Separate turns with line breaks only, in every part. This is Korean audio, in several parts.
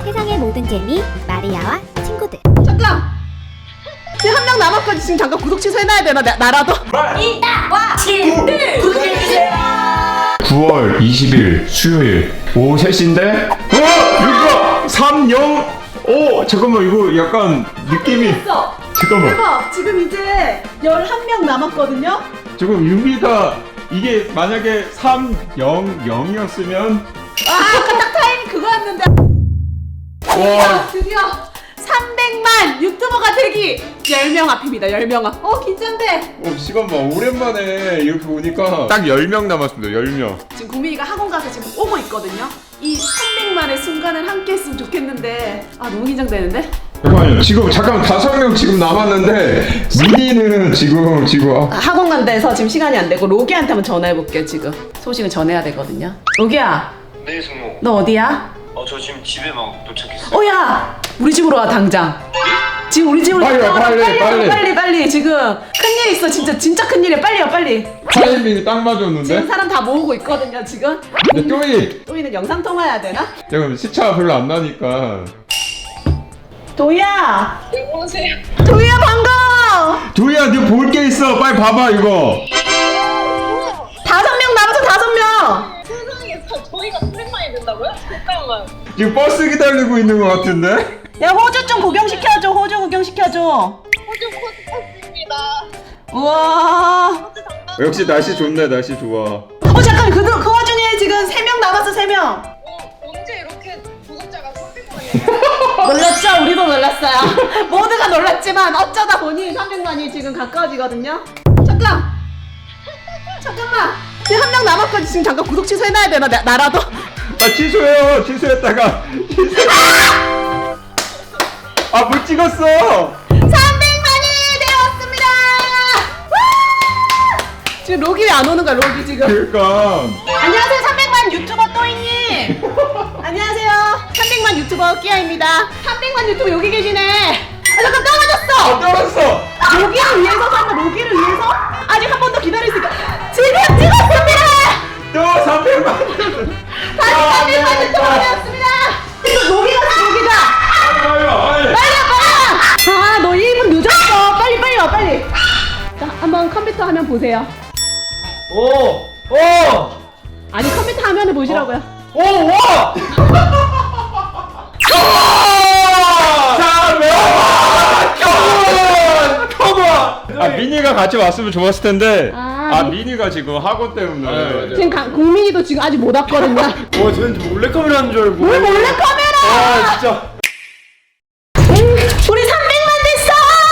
세상의 모든 재미 마리아와 친구들.
잠깐! 지금 한 명 남았거든. 지금 잠깐 구독 취소해놔야 되나? 나라도?
이와 친구들 구독해주세요.
9월 20일 수요일 오후 3시인데 이거 3-0 잠깐만 이거 약간 느낌이
됐어!
잠깐만
대박! 지금 이제 11명 남았거든요?
지금 6위가 이게 만약에 3-0-0이었으면
아까 딱 타이밍 그거였는데
와
드디어 300만 유튜버가 되기 10명 앞입니다. 10명 앞. 긴장돼.
시간 봐 오랜만에 이렇게 보니까 딱 10명 남았습니다 10명
지금 국민이가 학원 가서 지금 오고 있거든요. 이 300만의 순간을 함께 했으면 좋겠는데 너무 긴장되는데?
잠깐만요 지금 잠깐 5명 지금 남았는데 미니는 지금
학원 간다해서 지금 시간이 안 되고 로기한테 한번 전화해볼게요. 지금 소식을 전해야 되거든요. 로기야
네, 승모.
너 어디야?
저 지금 집에 막 도착했어요.
야 우리 집으로 와 당장. 지금 우리 집으로
빨리 와,
빨리 지금 큰일 있어. 진짜 큰일이야. 빨리 와 빨리.
타이밍이 딱 맞았는데?
지금 사람 다 모으고 있거든요 지금.
근데
또이는 영상 통화해야 되나?
지금 시차 별로 안 나니까
도희야.
여보세요.
도희야 반가워.
도희야 너 볼 게 있어 빨리 봐봐 이거
5명 남았어. 5명.
세상에 저희가 300만이 된다고요? 잠깐만.
지금 버스 기다리고 있는 것 같은데?
야 호주 좀 구경시켜줘. 호주 구경시켜줘.
호주 코스입니다.
우와.
역시 날씨 좋네 날씨 좋아
잠깐 그 와중에 지금 3명 남았어. 3명.
언제 이렇게 구독자가 300만이에요?
놀랐죠? 우리도 놀랐어요. 모두가 놀랐지만 어쩌다 보니 300만이 지금 가까워지거든요. 잠깐만. 지금 한 명 남았거든. 지금 잠깐 구독 취소해놔야 되나? 나라도?
취소해요 취소했다가 못 찍었어
300만이 되었습니다. 지금 로기 왜 안 오는 거야? 로기 지금.
그러니까
안녕하세요. 300만 유튜버 또이님. 안녕하세요. 300만 유튜버 끼아입니다. 300만 유튜버 여기 계시네. 잠깐 떨어졌어.
떨었어
로기를 위해서 설마 로기를 위해서? 아직 한 번 더 기다릴 수 있다. 지금 찍었습니다.
또 300만
다시 300만 유튜버 되었습니다. 로기가. 빨리. 너 1분 늦었어. 빨리 와 빨리. 자, 한번 컴퓨터 화면 보세요. 아니 컴퓨터 화면을 보시라고요.
미니가 같이 왔으면 좋았을 텐데
아,
미니가 지금 학원 때문에
지금 국민이도 지금 아직 못 왔거든요.
저는 몰래카메라 하는 줄 알고
왜 몰래 카메라?
진짜
우리 300만 됐어!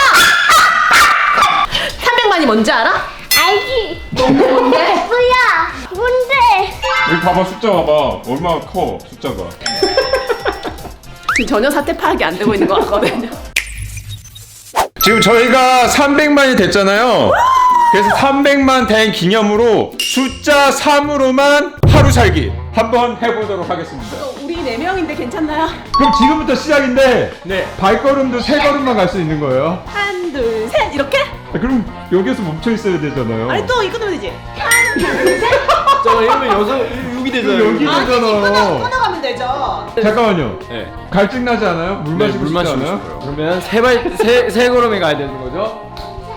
300만이 뭔지 알아?
알지?
뭔데?
뭐야? 뭔데?
여기 봐봐 숫자 봐봐 얼마나 커 숫자가
지금 전혀 사태 파악이 안 되고 있는 것 같거든요.
지금 저희가 300만이 됐잖아요 그래서 300만 된 기념으로 숫자 3으로만 하루 살기 한번 해보도록 하겠습니다
우리 4명인데 괜찮나요?
그럼 지금부터 시작인데 발걸음도 3걸음만 갈 수 있는 거예요
한, 둘, 셋 이렇게?
그럼 여기서 멈춰 있어야 되잖아요
아니 또 이거 넣으면 되지. 한, 둘, 셋.
이러면 6이 되잖아요.
여기 되잖아
끊어가면 되죠.
잠깐만요
네.
갈증나지 않아요? 물 마시고
물
싶지
마시고
않아요?
싶어요. 그러면 세 걸음에 가야 되는 거죠?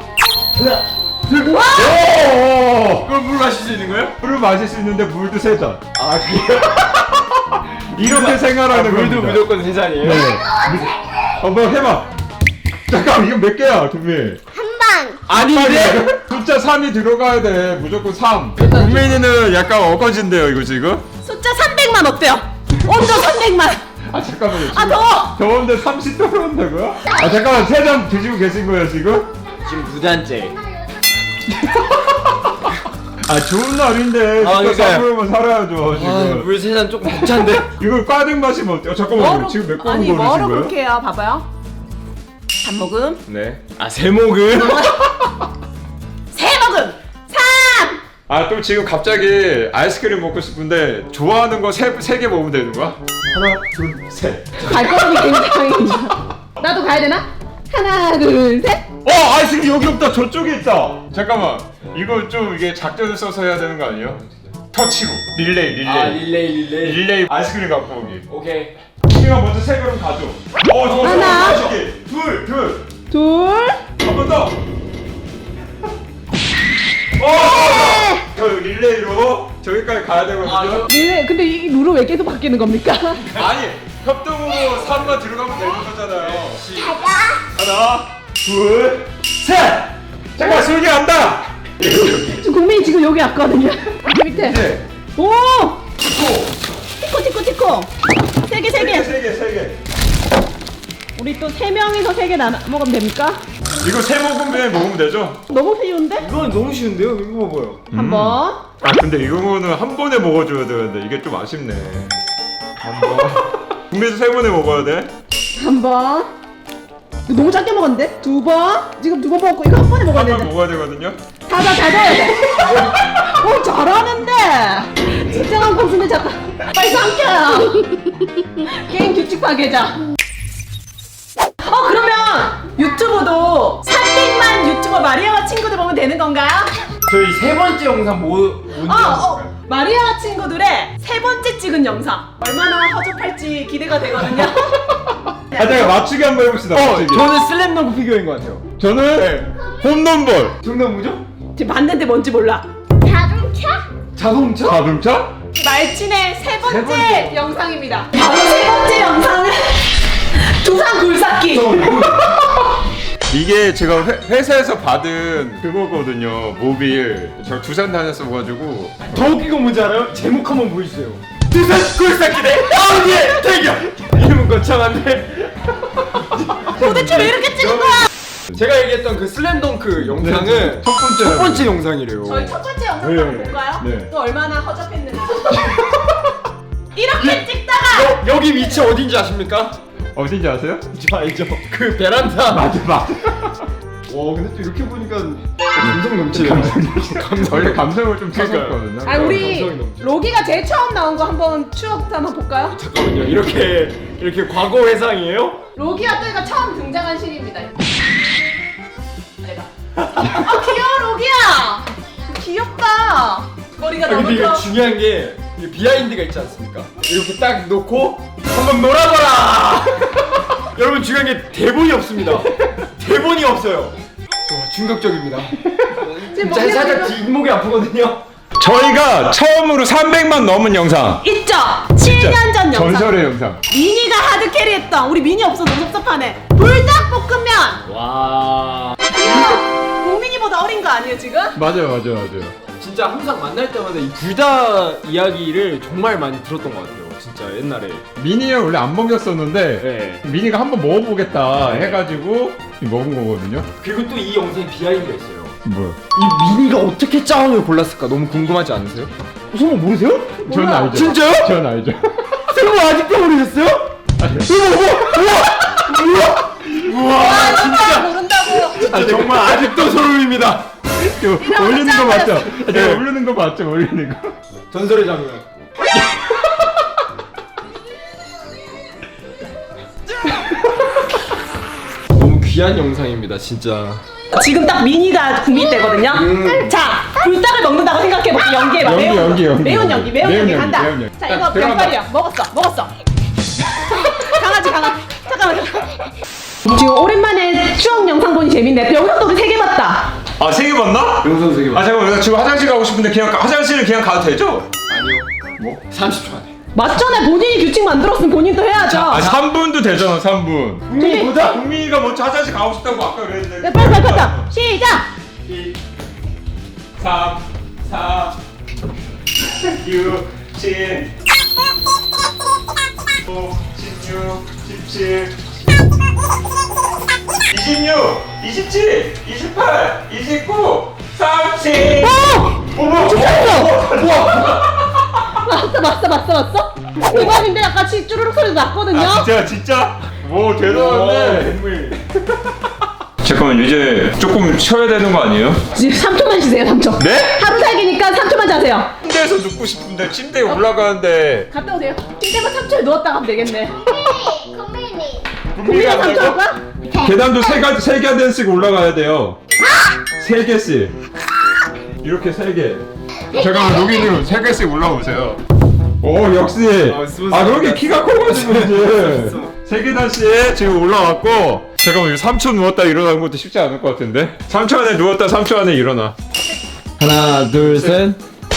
오!
그럼 물 마실 수 있는 거예요?
물을 마실 수 있는데 물도 3잔
그래요?
이렇게 생활하는
물도
겁니다
무조건 3잔이에요?
네. 한번 해봐 잠깐 이거 몇 개야 두미
한방.
아닌데?
숫자 3이 들어가야 돼 무조건 3 국민이는 약간 어거진데요 이거 지금?
숫자 300만 어때요? 온도 300만.
잠깐만요 지금
더.
더운데 30 떨어온다고요? 잠깐만 3잔 드시고 계신 거예요 지금?
지금 2잔째.
좋은 날인데 숫자
그러니까요.
3으로만 살아야죠 지금
물 3잔 조금 벅찬데?
이걸 가득 마시면 어때요? 잠깐만요 지금 몇 걸음
아니
걸으신
뭐로
거예요?
그렇게 해요? 봐봐요. 한 모금.
네.
세모금?
세 모금. 3.
또 지금 갑자기 아이스크림 먹고 싶은데 좋아하는 거 세 개 먹으면 되는 거야? 하나, 둘, 셋.
발걸음이 굉장히. 나도 가야 되나? 하나, 둘, 셋.
아이스크림 여기 없다. 저쪽에 있다. 잠깐만. 이거 좀 이게 작전을 써서 해야 되는 거 아니에요? 터치로 릴레이.
릴레이.
릴레이 아이스크림 갖고 오기.
오케이.
유진이가 먼저 세 걸음 가죠. 좋아.
하나.
둘.
둘.
한 번 더. 저 릴레이로 저기까지 가야 되거든요.
네, 근데 이 룰은 왜 계속 바뀌는 겁니까?
아니 협동으로 3번 들어가면 되는 거잖아요. 하나, 둘, 셋. 잠깐 솔기 간다.
지금 국민이 지금 여기 왔거든요. 여기 밑에.
네.
오! 티코. 세 개.
세 개.
우리 또 세 명이서 세 개 나눠 먹으면 됩니까?
이거 세 모금에 먹으면 되죠?
너무 쉬운데?
이건 너무 쉬운데요? 이거 봐봐요.
한번.
아 근데 이거는 한 번에 먹어줘야 되는데 이게 좀 아쉽네. 한 번. 국민도 세 번에 먹어야 돼.
한 번. 이거 너무 작게 먹었는데? 두 번. 지금 두 번 먹었고 이거 한 번에 먹어야
한 번
되는데.
먹어야 되거든요.
다 넣어야 돼. 오 잘하는데. 진정한 고수네 잠깐. 빨리 삼켜요. 게임 규칙 파괴자. 그러면 유튜브도 300만 유튜버 마리아와 친구들 보면 되는 건가요?
저희 세 번째 영상 뭔지 아실까요?
마리아와 친구들의 세 번째 찍은 영상 얼마나 허접할지 기대가 되거든요.
잠깐 맞추기 한번 해봅시다. 맞추기.
저는 슬램덩크 피규어인 것 같아요.
저는 홈런볼.
정답 뭐죠?
지금 봤는데 뭔지 몰라.
자동차?
자동차?
자동차?
말진의 세 번째,
세 번째.
영상입니다. 바로 세 번째 영상은 두산 굴삭기.
이게 제가 회사에서 받은 그거거든요. 모빌. 저 두산 다녔어가지고.
더 웃긴 건 뭔지 알아요? 제목 한번 보여주세요. 두산 굴삭기 대 아우디의 대결! 이름은 거창한데
도대체 왜 이렇게 찍은 거야?
제가 얘기했던 그 슬램덩크 영상은
첫 번째
영상이래요.
저희 첫 번째 영상
네.
한번 볼까요?
네.
또 얼마나 허접했는지. 이렇게 찍다가
여기 위치 어딘지 아십니까?
어딘지 아세요?
저 알죠. 그 베란다.
맞아.
와 근데 또 이렇게 보니까 감성 넘치네요.
원래 감성을 좀
그러니까요.
찾았거든요.
아 우리
감성이 넘쳐.
로기가 제일 처음 나온 거 한번 추억 한번 볼까요?
잠깐만요. 이렇게 과거 회상이에요?
로기가 또이가 처음 등장한 신입니다. 내가. 귀여워 로기야. 귀엽다. 머리가
아,
너무
근데 이거
커.
중요한 게 이게 비하인드가 있지 않습니까? 이렇게 딱 놓고 한번 놀아봐라. 여러분 중요한 게 대본이 없습니다. 대본이 없어요. 와 충격적입니다.
지금
진짜
머리가
살짝
지금
뒷목이 아프거든요.
저희가 처음으로 300만 넘은 영상.
있죠. 7년 전 영상.
전설의 영상.
미니가 하드 캐리했던 우리 미니 없어서 섭섭하네. 불닭볶음면.
와
귀여워. 국민이보다 어린 거 아니에요 지금?
맞아요.
진짜 항상 만날 때마다 이 불닭 이야기를 정말 많이 들었던 것 같아요. 진짜 옛날에.
미니는 원래 안 먹였었는데
네.
미니가 한번 먹어보겠다 해가지고 먹은 거거든요.
그리고 또 이 영상에 비하인드가 있어요.
뭐요?
이 미니가 어떻게 짱을 골랐을까 너무 궁금하지 않으세요? 설마 모르세요?
저는
몰라.
알죠.
진짜요?
저는 알죠.
설마 아직도 모르셨어요? 우와 진짜
모른다고.
아, 정말 아직도 소름입니다.
이거 올리는 거 맞죠?
네.
제가 올리는 거 맞죠? 올리는 거.
전설의 장면. 너무 귀한 영상입니다, 진짜.
지금 딱 미니가 국민 때거든요. 자, 불닭을 먹는다고 생각해볼게. 연기해봐.
연기.
매운 연기 간다.
매운 연기.
자,
딱
이거
들어간다.
병빨이야. 먹었어. 강아지. 잠깐만. 지금 오랜만에 추억 영상 보니 재밌네. 영상도 우리 3개 봤다.
아, 3개 봤나?
영상 세계
아, 잠깐만. 나 지금 화장실 가고 싶은데 그냥 화장실은 그냥 가도 되죠?
아니요. 뭐? 30초 안에.
맞잖아. 본인이 규칙 만들었으면 본인도 해야죠.
아, 3분도 되잖아, 3분.
국민이
보자. 국민이가 먼저 화장실 가고 싶다고 아까 그랬는데.
네, 빨리. 시작.
2, 3, 4, 6, 7, 5, 16, 17, 26, 27, 28, 29, 30.
맞어. 대박인데 아까 쭈루룩 소리도 났거든요.
아, 진짜? 오, 대단한데. 잠깐만, 이제 조금 쉬어야 되는 거 아니에요?
지금 3초만 쉬세요. 3초.
네?
하루 살기니까 3초만 자세요.
침대에서 눕고 싶은데 침대에 올라가는데
갔다 오세요. 침대만 3초에 누웠다 가면 되겠네.
국민이.
국민이 3초 할 거야?
계단도 세 개씩 올라가야 돼요. 3개씩. 이렇게 3개. 잠깐만, 로기님 3개씩 올라오세요. 오 역시 아 그렇게 키가 커가지고 이제 세계다시에 지금 올라왔고 잠깐만 이거 3초 누웠다 일어나는 것도 쉽지 않을 것 같은데 3초 안에 누웠다 3초 안에 일어나
하나 둘셋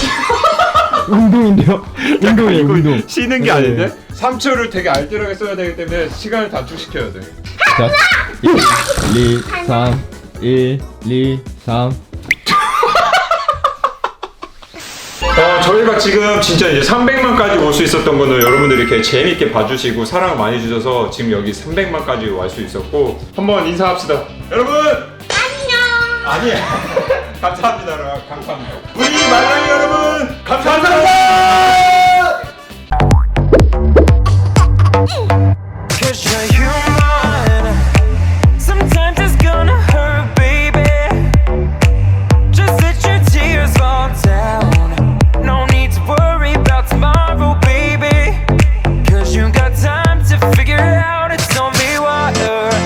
운동인데요? 운동이에요 운동.
쉬는 게 아닌데 3초를 되게 알뜰하게 써야 되기 때문에 시간을 단축시켜야 돼
자 1, 2, 3 1, 2, 3
저희가 지금 진짜 이제 300만까지 올 수 있었던 거는 여러분들이 이렇게 재밌게 봐주시고 사랑 많이 주셔서 지금 여기 300만까지 올 수 있었고 한번 인사합시다 여러분 안녕 아니야 감사합니다 여러분 감사합니다 우리 말랑이 여러분 감사합니다
Cause you're human. Sometimes it's gonna hurt, baby. Just let your tears fall down. No need to worry about tomorrow, baby. Cause you got time to figure it out. It's